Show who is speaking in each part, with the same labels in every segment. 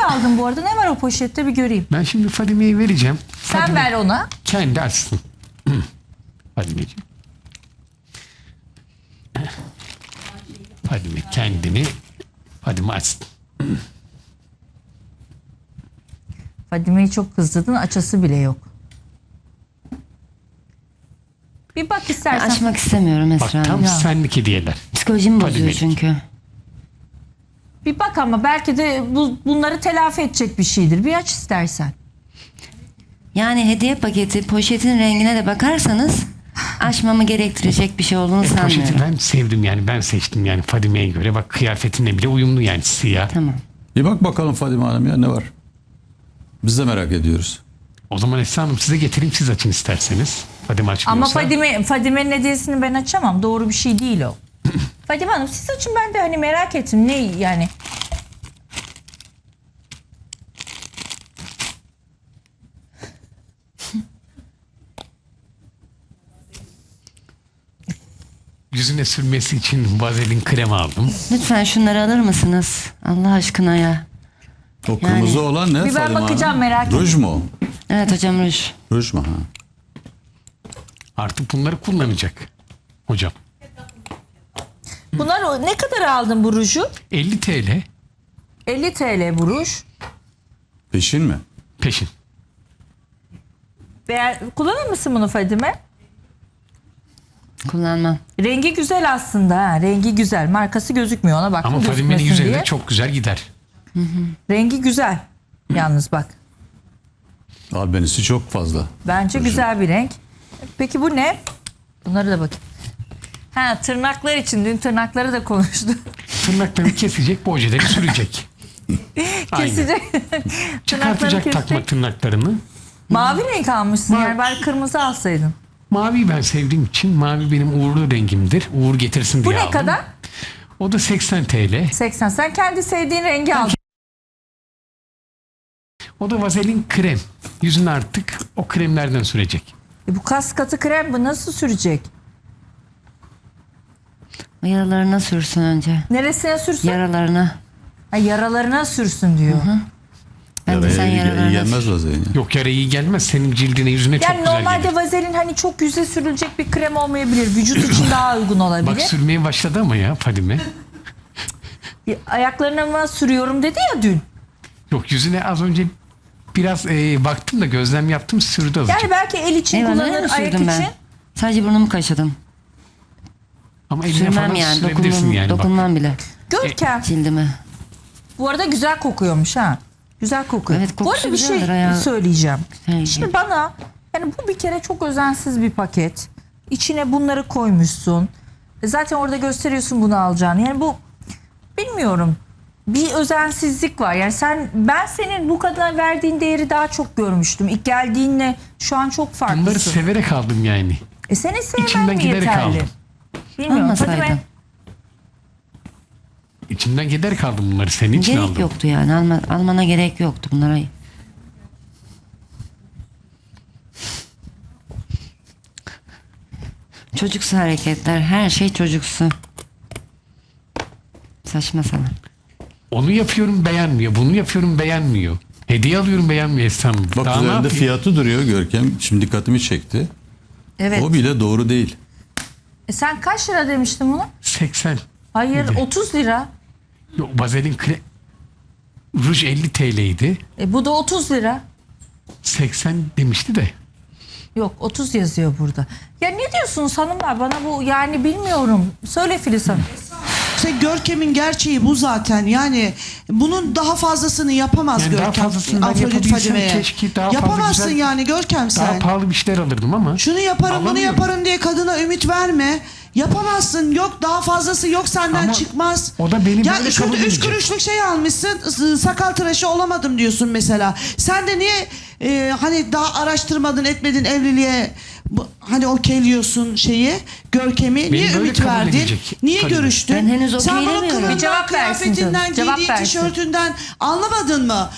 Speaker 1: aldın bu arada? Ne var o poşette bir göreyim.
Speaker 2: Ben şimdi Fadime'ye vereceğim.
Speaker 1: Sen
Speaker 2: Fadime
Speaker 1: ver ona.
Speaker 2: kendi açsın. Fadimeciğim. Fadime kendini Fadime açsın.
Speaker 1: Fadime'yi çok kızdırdın. Açası bile yok. Bir bak
Speaker 3: Ben
Speaker 1: istersen.
Speaker 3: açmak istemiyorum
Speaker 2: Bak
Speaker 3: Esra
Speaker 2: tam
Speaker 3: Hanım.
Speaker 2: senlik hediyeler.
Speaker 3: Psikolojimi bozuyor
Speaker 2: Fadime'lik.
Speaker 3: çünkü.
Speaker 1: Bir bak ama belki de bunları telafi edecek bir şeydir. Bir aç istersen.
Speaker 3: Yani hediye paketi poşetin rengine de bakarsanız açmamı gerektirecek bir şey olduğunu
Speaker 2: Poşeti
Speaker 3: sanmıyorum.
Speaker 2: ben sevdim yani ben seçtim yani Fadime'ye göre. Bak kıyafetinle bile uyumlu yani siyah.
Speaker 3: Tamam.
Speaker 4: Bir bak bakalım Fadime Hanım ya ne var? Biz de merak ediyoruz.
Speaker 2: O zaman Esra Hanım size getireyim siz açın isterseniz. Fadime açmıyorsa.
Speaker 1: Ama Fadime'nin hediyesini ben açamam. Doğru bir şey değil o. Fadime Hanım siz açın, ben de hani merak ettim. Ne yani?
Speaker 2: Yüzüne sürmesi için vazelin krem aldım.
Speaker 3: Lütfen şunları alır mısınız? Allah aşkına ya.
Speaker 4: O kırmızı olan ne
Speaker 1: Bir ben
Speaker 4: Fadime
Speaker 1: bakacağım,
Speaker 4: Hanım?
Speaker 1: merak ettim.
Speaker 4: Ruj mu?
Speaker 3: Evet hocam ruj.
Speaker 4: Ruj mu? Ha.
Speaker 2: Artık bunları kullanacak hocam.
Speaker 1: Bunlar ne kadar aldın bu ruju?
Speaker 2: 50 TL
Speaker 1: 50 TL bu ruj.
Speaker 4: Peşin mi?
Speaker 2: peşin.
Speaker 1: Kullanır mısın bunu Fadime?
Speaker 3: Kullanmam.
Speaker 1: Rengi güzel aslında. Ha. Rengi güzel. Markası gözükmüyor, ona bak.
Speaker 2: Ama Fadime'nin
Speaker 1: gözükmesin
Speaker 2: yüzünde
Speaker 1: diye.
Speaker 2: çok güzel gider.
Speaker 1: Rengi güzel. Yalnız bak.
Speaker 4: Albenisi çok fazla.
Speaker 1: Bence
Speaker 4: Ruju.
Speaker 1: güzel bir renk. Peki bu ne? Bunları da bakayım. Ha, tırnaklar için. Dün tırnakları da konuştuk.
Speaker 2: Tırnaklarını kesecek, bu ojeleri sürecek. Aynen.
Speaker 1: Kesecek.
Speaker 2: Çıkartacak takma
Speaker 1: kesecek.
Speaker 2: tırnaklarını.
Speaker 1: Mavi renk almışsın.
Speaker 2: Mavi.
Speaker 1: Yani bari kırmızı alsaydın.
Speaker 2: Maviyi ben sevdiğim için mavi benim uğurlu rengimdir. Uğur getirsin
Speaker 1: Bu
Speaker 2: diye
Speaker 1: ne
Speaker 2: aldım.
Speaker 1: kadar?
Speaker 2: O da 80 TL.
Speaker 1: 80. Sen kendi sevdiğin rengi al.
Speaker 2: O da vazelin krem. Yüzüne artık o kremlerden sürecek.
Speaker 1: Bu kas katı krem bu nasıl sürecek?
Speaker 3: O yaralarına sürsün önce.
Speaker 1: Neresine sürsün?
Speaker 3: Yaralarına.
Speaker 1: Ha, yaralarına sürsün diyor.
Speaker 3: Ben de sen yaralarına
Speaker 4: Gelmez vazelin.
Speaker 2: Yok yara iyi gelmez. Senin cildine yüzüne çok
Speaker 1: Yani
Speaker 2: güzel
Speaker 1: normalde
Speaker 2: gelir.
Speaker 1: vazelin hani çok yüze sürülecek bir krem olmayabilir. Vücut için daha uygun olabilir.
Speaker 2: Bak sürmeye başladı ama ya Fadime.
Speaker 1: Ayaklarına mı sürüyorum dedi ya dün.
Speaker 2: Yok yüzüne az önce biraz baktım da gözlem yaptım sürdü azıcık.
Speaker 1: Yani belki el için
Speaker 3: Eyvallah,
Speaker 1: kullanır,
Speaker 3: öyle
Speaker 1: ayak
Speaker 3: sürdüm
Speaker 1: için.
Speaker 3: ben. Sadece burnumu kaşıdım.
Speaker 2: Ama eline falan
Speaker 3: Sürmem yani.
Speaker 2: sürebilirsin yani bak.
Speaker 3: Dokunmam bile.
Speaker 1: Görkem.
Speaker 3: Cildime.
Speaker 1: Bu arada güzel kokuyormuş ha. Güzel kokuyor.
Speaker 3: Evet,
Speaker 1: Bu
Speaker 3: kokusu
Speaker 1: arada bir şey
Speaker 3: güzeldir ayağı.
Speaker 1: söyleyeceğim.
Speaker 3: Güzel.
Speaker 1: Şimdi bana yani bu bir kere çok özensiz bir paket. İçine bunları koymuşsun. Zaten orada gösteriyorsun bunu alacağını. Yani bu bilmiyorum. Bir özensizlik var. Yani ben senin bu kadar verdiğin değeri daha çok görmüştüm. İlk geldiğinle şu an çok
Speaker 2: Bunları
Speaker 1: farklısın.
Speaker 2: severek aldım yani.
Speaker 1: Seni sevmen
Speaker 2: İçimden
Speaker 1: mi
Speaker 2: giderek
Speaker 1: yeterli?
Speaker 2: aldım.
Speaker 1: Bilmiyorum.
Speaker 3: Almasaydın.
Speaker 1: Fadime,
Speaker 2: İçimden giderek aldım bunları. Senin için
Speaker 3: Gerek
Speaker 2: aldım.
Speaker 3: yoktu yani. Almana gerek yoktu bunlara. Çocuksu hareketler. Her şey çocuksu. Saçma sapan.
Speaker 2: Onu yapıyorum beğenmiyor. Bunu yapıyorum beğenmiyor. Hediye alıyorum beğenmiyor Esra Hanım.
Speaker 4: Bak
Speaker 2: Daha ne
Speaker 4: üzerinde
Speaker 2: yapayım?
Speaker 4: fiyatı duruyor Görkem. Şimdi dikkatimi çekti.
Speaker 1: evet.
Speaker 4: O bile doğru değil.
Speaker 1: Sen kaç lira demiştin bunu?
Speaker 2: 80.
Speaker 1: Hayır,
Speaker 2: Neydi?
Speaker 1: 30 lira.
Speaker 2: Yok vazelin ruj 50 TL'ydi.
Speaker 1: Bu da 30 lira.
Speaker 2: 80 demişti de.
Speaker 1: Yok, 30 yazıyor burada. Ya ne diyorsunuz hanımlar, bana bu yani bilmiyorum. Söyle Filiz Hanım.
Speaker 5: İşte Görkem'in gerçeği bu zaten. Yani bunun daha fazlasını yapamaz
Speaker 2: Yani daha
Speaker 5: Görkem.
Speaker 2: fazlasını ben
Speaker 5: Afrodit
Speaker 2: yapabilsem
Speaker 5: Fadime'ye.
Speaker 2: keşke daha fazla
Speaker 5: Yapamazsın
Speaker 2: güzel-
Speaker 5: yani Görkem
Speaker 2: Daha
Speaker 5: sen.
Speaker 2: pahalı bir şeyler alırdım ama.
Speaker 5: Şunu yaparım bunu
Speaker 2: Alamıyorum.
Speaker 5: yaparım diye kadına ümit verme. Yapamazsın. Yok daha fazlası yok senden
Speaker 2: Ama
Speaker 5: çıkmaz.
Speaker 2: o da beni
Speaker 5: ya
Speaker 2: böyle
Speaker 5: şurada
Speaker 2: kabul
Speaker 5: 3
Speaker 2: edecek.
Speaker 5: kuruşluk şey almışsın. Sakal tıraşı olamadım diyorsun mesela. Sen de niye hani daha araştırmadın etmedin evliliğe hani okeyliyorsun şeyi Görkem'i niye
Speaker 2: böyle
Speaker 5: ümit
Speaker 2: kabul
Speaker 5: verdin?
Speaker 2: edecek
Speaker 5: Niye
Speaker 2: Fadime.
Speaker 5: görüştün?
Speaker 3: Ben henüz
Speaker 5: Sen bunun
Speaker 3: okeylemiyorum.
Speaker 5: kılığından,
Speaker 1: Bir cevap versin
Speaker 5: kıyafetinden,
Speaker 1: canım, cevap
Speaker 5: giydiği
Speaker 1: versin.
Speaker 5: tişörtünden anlamadın mı?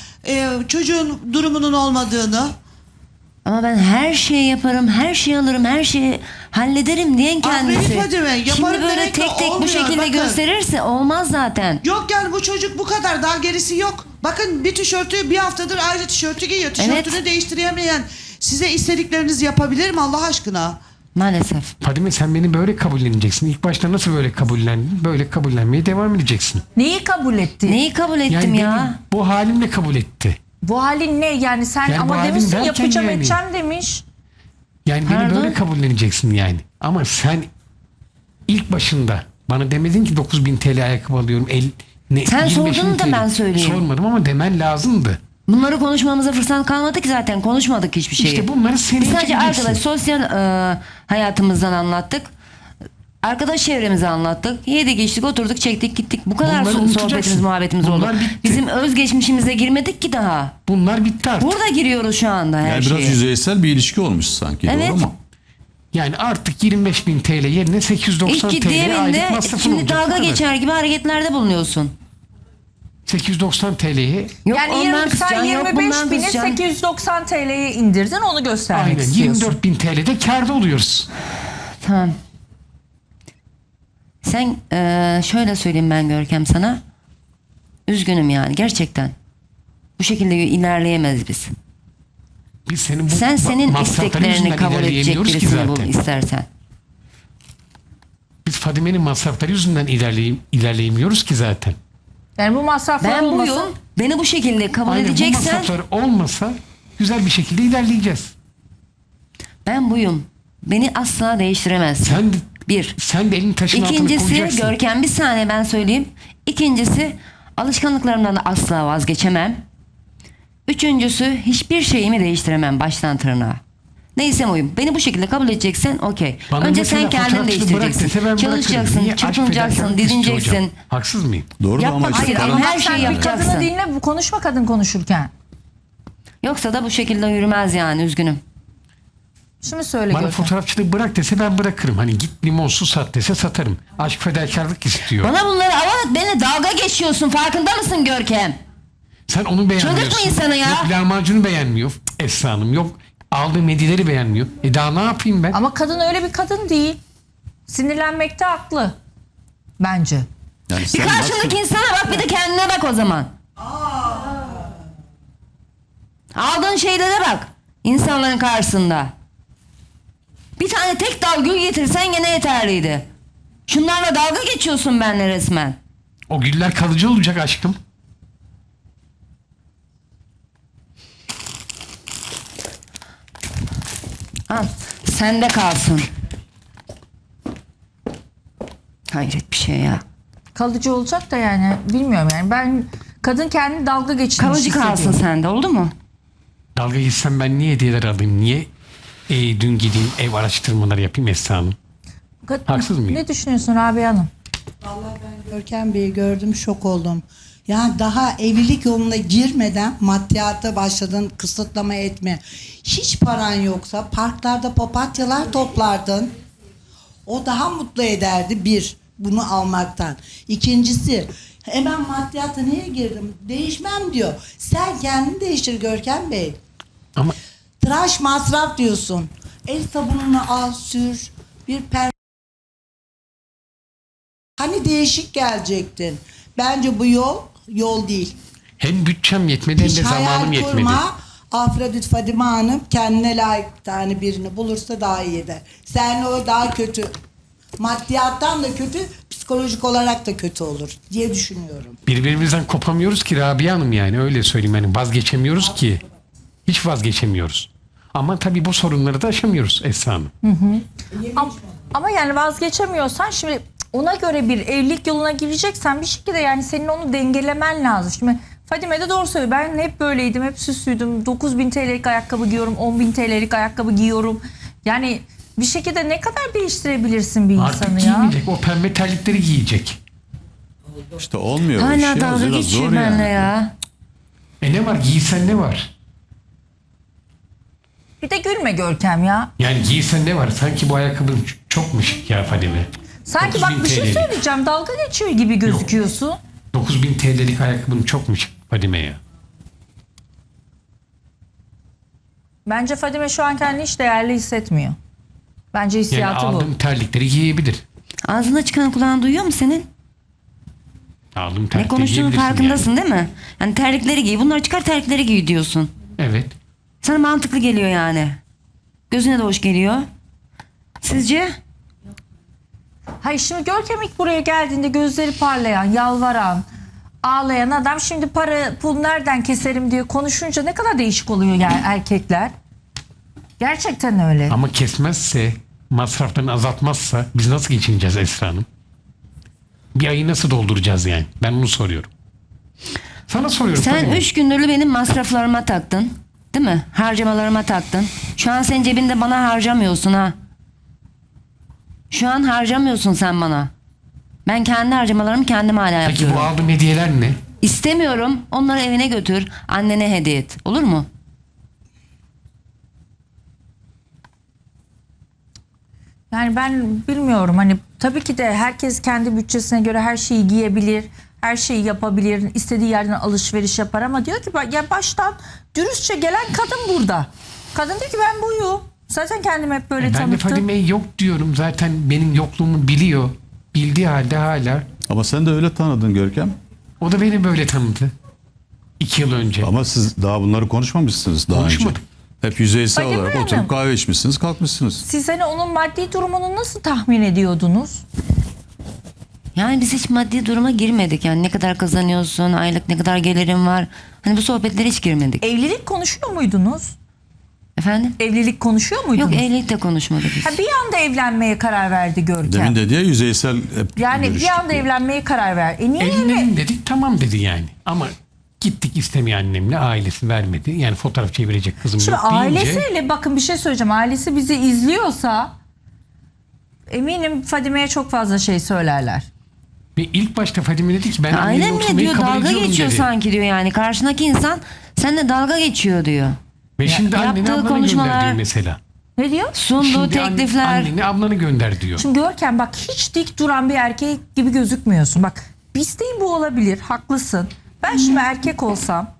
Speaker 5: Çocuğun durumunun olmadığını.
Speaker 3: Ama ben her şeyi yaparım, her şeyi alırım, her şeyi hallederim diyen kendisi.
Speaker 5: Fadime, yaparım
Speaker 3: Şimdi böyle
Speaker 5: demek de
Speaker 3: tek tek bu
Speaker 5: olmuyor,
Speaker 3: şekilde
Speaker 5: bakın.
Speaker 3: gösterirse olmaz zaten.
Speaker 5: Yok yani bu çocuk bu kadar, daha gerisi yok. Bakın bir tişörtü bir haftadır aynı tişörtü giyiyor. Tişörtünü
Speaker 3: Evet.
Speaker 5: değiştiremeyen size istediklerinizi yapabilir mi Allah aşkına?
Speaker 3: Maalesef.
Speaker 2: Fadime sen beni böyle kabulleneceksin. İlk başta nasıl böyle kabullendin? Böyle kabullenmeye devam edeceksin.
Speaker 1: Neyi kabul etti?
Speaker 3: Neyi kabul ettim
Speaker 2: Yani
Speaker 3: ya?
Speaker 2: beni bu halimle kabul etti.
Speaker 1: Bu halin ne? Yani sen
Speaker 2: Yani bu
Speaker 1: ama
Speaker 2: halin
Speaker 1: demişsin
Speaker 2: derken
Speaker 1: yapacağım
Speaker 2: yani.
Speaker 1: edeceğim demiş.
Speaker 2: Yani
Speaker 3: Pardon?
Speaker 2: beni böyle kabulleneceksin yani. Ama sen ilk başında bana demedin ki 9.000 TL ayakkabı alıyorum.
Speaker 3: Sen
Speaker 2: 25.000
Speaker 3: sordun da
Speaker 2: TL.
Speaker 3: ben söyleyeyim.
Speaker 2: Sormadım ama demen lazımdı.
Speaker 3: Bunları konuşmamıza fırsat kalmadı ki zaten. Konuşmadık hiçbir şeyi.
Speaker 2: İşte bunları sen
Speaker 3: Biz sadece
Speaker 2: çekeceksin.
Speaker 3: arkadaş sosyal hayatımızdan anlattık. Arkadaş çevremizi anlattık. Yedik içtik oturduk çektik gittik. Bu kadar
Speaker 2: Bunları
Speaker 3: sohbetimiz
Speaker 2: unutacaksın.
Speaker 3: muhabbetimiz oldu.
Speaker 2: Bunlar bitti.
Speaker 3: Bizim özgeçmişimize girmedik ki daha.
Speaker 2: Bunlar bitti artık.
Speaker 3: Burada giriyoruz şu anda her
Speaker 4: Yani
Speaker 3: şeye.
Speaker 4: biraz yüzeysel bir ilişki olmuş sanki.
Speaker 3: Evet.
Speaker 4: Doğru mu?
Speaker 2: Yani artık 25.000 TL yerine 890
Speaker 3: İlk ciddiye
Speaker 2: TL aylık
Speaker 3: bindi.
Speaker 2: masrafın
Speaker 3: Şimdi
Speaker 2: olacak. Bu
Speaker 3: dalga
Speaker 2: kadar.
Speaker 3: geçer gibi hareketlerde bulunuyorsun.
Speaker 2: 890 TL'ye
Speaker 3: Yok
Speaker 1: Yani
Speaker 3: ondan
Speaker 1: sen
Speaker 3: kısacaksın, yok
Speaker 1: 25
Speaker 3: bundan
Speaker 1: bini
Speaker 3: kısacaksın.
Speaker 1: 890 TL'ye indirdin, onu göstermek
Speaker 2: aynen
Speaker 1: istiyorsun.
Speaker 2: 24.000 TL'de kârda oluyoruz.
Speaker 3: Tamam. Sen şöyle söyleyeyim ben Görkem sana. Üzgünüm yani gerçekten. Bu şekilde ilerleyemeyiz biz.
Speaker 2: Biz senin bu
Speaker 3: Sen senin
Speaker 2: masrafların
Speaker 3: isteklerini
Speaker 2: yüzünden
Speaker 3: kabul edecek
Speaker 2: ilerleyemiyoruz ki
Speaker 3: birisini bul
Speaker 2: zaten.
Speaker 3: istersen.
Speaker 2: Biz Fadime'nin masrafları yüzünden ilerleyemiyoruz ki zaten.
Speaker 1: Yani bu masraflar
Speaker 3: Ben
Speaker 1: olmasa
Speaker 3: buyum. Beni bu şekilde kabul
Speaker 2: Aynen bu
Speaker 3: edeceksen
Speaker 2: masraflar olmasa güzel bir şekilde ilerleyeceğiz.
Speaker 3: ben buyum. Beni asla değiştiremezsin.
Speaker 2: Sen
Speaker 3: Bir.
Speaker 2: de elini taşın altına
Speaker 3: İkincisi
Speaker 2: koyacaksın.
Speaker 3: Görkem bir saniye ben söyleyeyim. İkincisi alışkanlıklarımdan da asla vazgeçemem. Üçüncüsü hiçbir şeyimi değiştiremem baştan tırnağa. Neyse oyum. Beni bu şekilde kabul edeceksen okey.
Speaker 2: Bana
Speaker 3: Önce
Speaker 2: mesela
Speaker 3: sen kendin
Speaker 2: fotoğrafçılığı bırak
Speaker 3: değiştireceksin.
Speaker 2: dese ben bırakırım.
Speaker 3: Çalışacaksın,
Speaker 2: Niye? Aşk
Speaker 3: çırpınacaksın,
Speaker 2: fedakarlık istiyor hocam.
Speaker 3: didineceksin.
Speaker 2: Haksız mıyım?
Speaker 4: Doğru da ama
Speaker 3: Yapmak
Speaker 4: işte
Speaker 3: hayır,
Speaker 4: paranın-
Speaker 3: ama her
Speaker 1: Ama
Speaker 3: şeyi
Speaker 1: sen bir
Speaker 3: yapacaksın.
Speaker 1: kadını dinle, bu konuşma kadın konuşurken.
Speaker 3: Yoksa da bu şekilde yürümez yani üzgünüm.
Speaker 1: Şimdi söyle
Speaker 2: Bana
Speaker 1: Görkem.
Speaker 2: fotoğrafçılığı bırak dese ben bırakırım. Hani git limon su sat dese satarım. Aşk fedakarlık istiyor.
Speaker 3: Bana bunları ama beni dalga geçiyorsun farkında mısın Görkem?
Speaker 2: Sen onu beğenmiyorsun.
Speaker 3: Çıldırtma insanı ya.
Speaker 2: Yok lahmacunu beğenmiyor Esra Hanım. Yok aldığım hediyeleri beğenmiyor. Daha ne yapayım ben?
Speaker 1: Ama kadın öyle bir kadın değil. Sinirlenmekte haklı. Bence.
Speaker 4: Yani
Speaker 3: Bir
Speaker 4: sen
Speaker 3: karşındaki
Speaker 4: nasıl-
Speaker 3: insana bak bir de kendine bak o zaman. Aldığın şeylere bak. İnsanların karşısında. Bir tane tek dal gül getirsen gene yeterliydi. Şunlarla dalga geçiyorsun benimle resmen.
Speaker 2: O güller kalıcı olacak aşkım.
Speaker 3: Al sende kalsın. Hayret bir şey ya.
Speaker 1: Kalıcı olacak da yani bilmiyorum yani. Ben kadın kendini dalga geçirmiş
Speaker 3: Kalıcı kalsın
Speaker 1: hissediyor.
Speaker 3: sende oldu mu?
Speaker 2: Dalga geçsem ben niye hediyeler alayım? Niye dün gideyim ev araştırmaları yapayım Esra Hanım? Haksız mıyım?
Speaker 1: Ne düşünüyorsun Rabia Hanım?
Speaker 6: Vallahi ben Görkem Bey'i gördüm, şok oldum. Yani daha evlilik yoluna girmeden maddiyata başladın, kısıtlama etme. Hiç paran yoksa parklarda papatyalar toplardın. O daha mutlu ederdi bir, bunu almaktan. İkincisi, hemen maddiyata niye girdim? Değişmem diyor. Sen kendini değiştir Görkem Bey.
Speaker 2: Ama
Speaker 6: Tıraş masraf diyorsun. El sabununu al sür. Bir Hani değişik gelecektin. Bence bu yol değil.
Speaker 2: hem bütçem yetmedi hem
Speaker 6: Hiç
Speaker 2: de zamanım
Speaker 6: hayal
Speaker 2: yetmedi.
Speaker 6: kurma. Afrodit Fadime Hanım kendine layık bir tane birini bulursa daha iyi eder. Sen o daha kötü. Maddiyattan da kötü, psikolojik olarak da kötü olur diye düşünüyorum.
Speaker 2: Birbirimizden kopamıyoruz ki Rabia Hanım yani öyle söyleyeyim. Yani vazgeçemiyoruz ki. Hiç vazgeçemiyoruz. Ama tabii bu sorunları da aşamıyoruz Esra Hanım.
Speaker 1: Ama yani vazgeçemiyorsan şimdi ona göre bir evlilik yoluna gireceksen bir şekilde yani senin onu dengelemen lazım. Şimdi Fadime de doğru söylüyor. Ben hep böyleydim, hep süslüydüm. 9.000 TL'lik ayakkabı giyiyorum, 10.000 TL'lik ayakkabı giyiyorum. Yani bir şekilde ne kadar değiştirebilirsin bir
Speaker 2: Artık
Speaker 1: insanı ya?
Speaker 2: giymeyecek. O pembe terlikleri giyecek.
Speaker 4: İşte olmuyor o iş
Speaker 3: Hala
Speaker 4: ya.
Speaker 3: dalga
Speaker 4: Biraz
Speaker 3: geçiyor
Speaker 4: zor
Speaker 3: benimle
Speaker 4: yani.
Speaker 3: ya.
Speaker 2: Ne var? Giysen ne var?
Speaker 1: Bir de gülme Görkem ya.
Speaker 2: Yani giysen ne var? Sanki bu ayakkabın çok mu şık ya Fadime?
Speaker 1: Sanki bak
Speaker 2: 9.000
Speaker 1: bir şey
Speaker 2: TL'lik.
Speaker 1: söyleyeceğim. Dalga geçiyor gibi gözüküyorsun.
Speaker 2: 9.000 TL'lik ayakkabın çok mu şık Fadime ya?
Speaker 1: Bence Fadime şu an kendini hiç değerli hissetmiyor. Bence
Speaker 2: Yani
Speaker 1: hissiyatı bu.
Speaker 2: aldığım terlikleri giyebilir.
Speaker 3: Ağzında çıkan kulağın duyuyor mu senin?
Speaker 2: Aldığım
Speaker 3: Ne
Speaker 2: terlikleri
Speaker 3: konuştuğunun
Speaker 2: giyebilirsin
Speaker 3: farkındasın değil mi? Yani terlikleri giy. Bunları çıkar, terlikleri giy diyorsun.
Speaker 2: Yani. Evet.
Speaker 3: Sana mantıklı geliyor yani. Gözüne de hoş geliyor. Sizce?
Speaker 1: Hayır, şimdi Görkem ilk buraya geldiğinde gözleri parlayan, yalvaran, ağlayan adam şimdi para pul nereden keserim diye konuşunca ne kadar değişik oluyor yani erkekler. Gerçekten öyle.
Speaker 2: Ama kesmezse, masraflarını azaltmazsa biz nasıl geçineceğiz Esra Hanım? Bir ayı nasıl dolduracağız yani? Ben bunu soruyorum. Sana soruyorum.
Speaker 3: Sen
Speaker 2: Fadime.
Speaker 3: 3 gündür benim masraflarıma taktın. Değil mi? Harcamalarıma taktın. Şu an sen cebinde bana harcamıyorsun ha. Şu an harcamıyorsun sen bana. Ben kendi harcamalarımı kendim hala
Speaker 2: Peki
Speaker 3: yapıyorum.
Speaker 2: bu aldığım hediyeler ne?
Speaker 3: İstemiyorum. Onları evine götür. Annene hediye et. Olur mu?
Speaker 1: Yani ben bilmiyorum, hani tabii ki de herkes kendi bütçesine göre her şeyi giyebilir, her şeyi yapabilir, istediği yerden alışveriş yapar ama diyor ki ya baştan dürüstçe gelen kadın burada. Kadın diyor ki ben buyum. Zaten kendimi hep böyle
Speaker 2: Ben de
Speaker 1: tanıttım.
Speaker 2: Fadime'ye yok diyorum. Zaten benim yokluğumu biliyor. Bildiği halde hala.
Speaker 4: Ama sen de öyle tanıdın Görkem.
Speaker 2: O da beni böyle tanıdı. 2 yıl önce.
Speaker 4: Ama siz daha bunları konuşmamışsınız daha önce.
Speaker 2: Konuşmadık.
Speaker 4: Hep yüzeysel
Speaker 1: Fadime
Speaker 4: olarak
Speaker 1: Hanım.
Speaker 4: oturup kahve içmişsiniz, kalkmışsınız.
Speaker 1: Siz hani onun maddi durumunu nasıl tahmin ediyordunuz?
Speaker 3: Yani biz hiç maddi duruma girmedik. Yani ne kadar kazanıyorsun, aylık ne kadar gelirin var. Hani bu sohbetlere hiç girmedik.
Speaker 1: Evlilik konuşuyor muydunuz?
Speaker 3: Efendim?
Speaker 1: Evlilik konuşuyor muydunuz?
Speaker 3: Yok, evlilik de konuşmadık biz.
Speaker 1: Ha, bir anda evlenmeye karar verdi Görkem.
Speaker 4: Demin dedi ya yüzeysel hep
Speaker 1: Yani bir
Speaker 4: görüştük
Speaker 1: anda
Speaker 4: diye.
Speaker 1: evlenmeye karar verdi. Niye öyle?
Speaker 2: Evlenelim dedik, tamam dedi yani. Ama gittik istemiyor annemle, ailesi vermedi. Yani fotoğraf çevirecek kızım
Speaker 1: Şimdi
Speaker 2: yok deyince.
Speaker 1: ailesiyle, bakın bir şey söyleyeceğim. Ailesi bizi izliyorsa eminim Fadime'ye çok fazla şey söylerler.
Speaker 2: Ve ilk başta Fadime dedi ki ben annemle
Speaker 3: Aynen mi
Speaker 2: oturmayı
Speaker 3: diyor,
Speaker 2: kabul
Speaker 3: dalga
Speaker 2: ediyorum
Speaker 3: geçiyor
Speaker 2: dedi.
Speaker 3: sanki diyor yani. Karşındaki insan seninle dalga geçiyor diyor.
Speaker 2: Ve şimdi anneni
Speaker 3: yaptığı
Speaker 2: ablanı
Speaker 3: konuşmalar-
Speaker 2: gönder diyor mesela.
Speaker 1: Ne diyor?
Speaker 3: Sunduğu
Speaker 2: Şimdi
Speaker 3: teklifler.
Speaker 2: anneni ablanı gönder diyor.
Speaker 1: Şimdi Görkem bak, hiç dik duran bir erkek gibi gözükmüyorsun. Bak, bir isteğin bu olabilir, haklısın. Ben şimdi erkek olsam,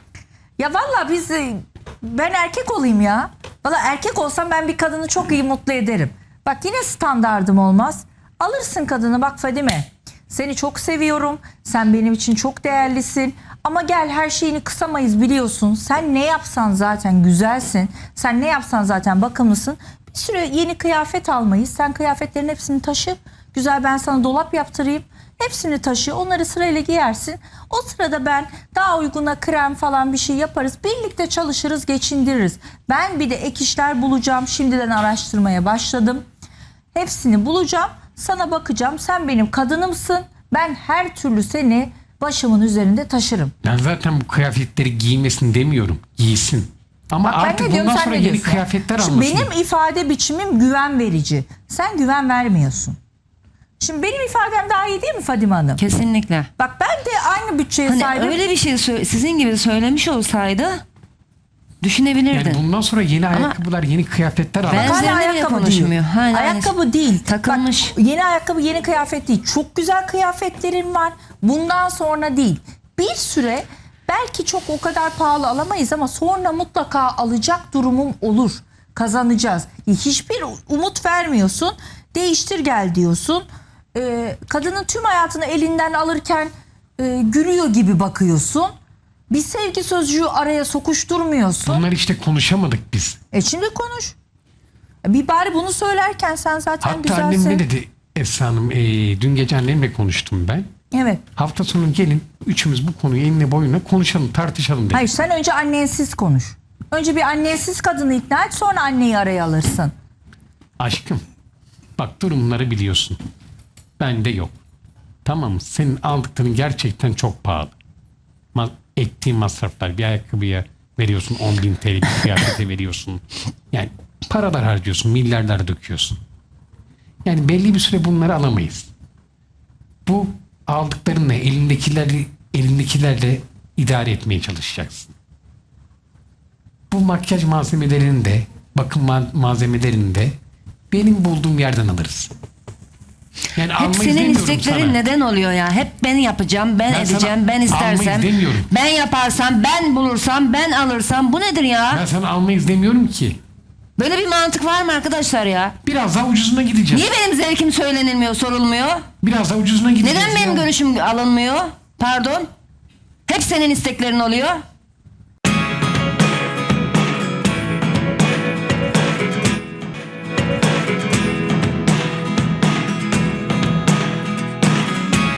Speaker 1: ya valla ben erkek olayım ya. Valla erkek olsam ben bir kadını çok iyi mutlu ederim. Bak yine standardım olmaz. Alırsın kadını, bak Fadime, seni çok seviyorum. Sen benim için çok değerlisin. Ama gel, her şeyini kısamayız biliyorsun. Sen ne yapsan zaten güzelsin. Sen ne yapsan zaten bakımlısın. Bir süre yeni kıyafet almayız. Sen kıyafetlerin hepsini taşı. Güzel, ben sana dolap yaptırayım. Hepsini taşı. Onları sırayla giyersin. O sırada ben daha uyguna krem falan bir şey yaparız. Birlikte çalışırız, geçindiririz. Ben bir de ek işler bulacağım. Şimdiden araştırmaya başladım. Hepsini bulacağım. Sana bakacağım. Sen benim kadınımsın. Ben her türlü seni başımın üzerinde taşırım.
Speaker 2: Ben zaten bu kıyafetleri giymesin demiyorum. Giysin. Ama
Speaker 1: Bak, ben
Speaker 2: artık
Speaker 1: ne diyorum,
Speaker 2: bundan
Speaker 1: sen
Speaker 2: sonra
Speaker 1: ne
Speaker 2: yeni
Speaker 1: diyorsun?
Speaker 2: kıyafetler
Speaker 1: Şimdi
Speaker 2: almasın.
Speaker 1: benim ifade biçimim güven verici. Sen güven vermiyorsun. Şimdi benim ifadem daha iyi değil mi Fadime Hanım?
Speaker 3: Kesinlikle.
Speaker 1: Bak, ben de aynı bütçeye
Speaker 3: Hani
Speaker 1: sahibim.
Speaker 3: öyle bir şey sizin gibi söylemiş olsaydı düşünebilirdin.
Speaker 2: Yani bundan sonra yeni ayakkabılar, yeni kıyafetler
Speaker 3: Ben-
Speaker 2: almasın.
Speaker 1: Hala
Speaker 3: Üzerine bile
Speaker 1: ayakkabı
Speaker 3: konuşmuyor.
Speaker 1: değil.
Speaker 3: Hala
Speaker 1: Ayakkabı değil.
Speaker 3: takılmış.
Speaker 1: Bak, yeni ayakkabı, yeni kıyafet değil. Çok güzel kıyafetlerim var. Bundan sonra değil. Bir süre belki çok o kadar pahalı alamayız ama sonra mutlaka alacak durumum olur. Kazanacağız. Hiçbir umut vermiyorsun. Değiştir gel diyorsun. Kadının tüm hayatını elinden alırken gülüyor gibi bakıyorsun. Bir sevgi sözcüğü araya sokuşturmuyorsun.
Speaker 2: Bunlar işte konuşamadık biz.
Speaker 1: Şimdi konuş. Bir bari bunu söylerken sen zaten
Speaker 2: Hatta
Speaker 1: güzelsin.
Speaker 2: annem ne dedi Esra Hanım? Dün gece annemle konuştum ben.
Speaker 1: Evet.
Speaker 2: Hafta sonu gelin üçümüz bu konuyu enine boyuna konuşalım, tartışalım dedi.
Speaker 1: Hayır, sen önce annensiz konuş. Önce bir annensiz kadını ikna et, sonra anneyi araya alırsın.
Speaker 2: Aşkım, bak durumları biliyorsun. Bende yok. Tamam mı? Senin aldıkların gerçekten çok pahalı. Ettiğin masraflar, bir ayakkabıya veriyorsun 10.000 TL, bir kıyafete veriyorsun. Yani paralar harcıyorsun, milyarlar döküyorsun. Yani belli bir süre bunları alamayız. Bu aldıklarınla elindekilerle idare etmeye çalışacaksın. Bu makyaj malzemelerini de, bakım malzemelerini de benim bulduğum yerden alırız. Yani
Speaker 3: Hep
Speaker 2: almayız
Speaker 3: senin
Speaker 2: demiyorum
Speaker 3: isteklerin
Speaker 2: sana.
Speaker 3: neden oluyor ya? Hep ben yapacağım, ben
Speaker 2: Ben sana
Speaker 3: edeceğim, ben istersem.
Speaker 2: almayız demiyorum.
Speaker 3: Ben yaparsam, ben bulursam, ben alırsam. Bu nedir ya?
Speaker 2: Ben sana almayız demiyorum ki.
Speaker 3: Böyle bir mantık var mı arkadaşlar ya?
Speaker 2: Biraz daha ucuzuna gideceğiz.
Speaker 3: Niye benim zevkim söylenilmiyor, sorulmuyor?
Speaker 2: Biraz daha ucuzuna gideceğiz
Speaker 3: Neden benim
Speaker 2: ya.
Speaker 3: görüşüm alınmıyor? Pardon. Hep senin isteklerin oluyor.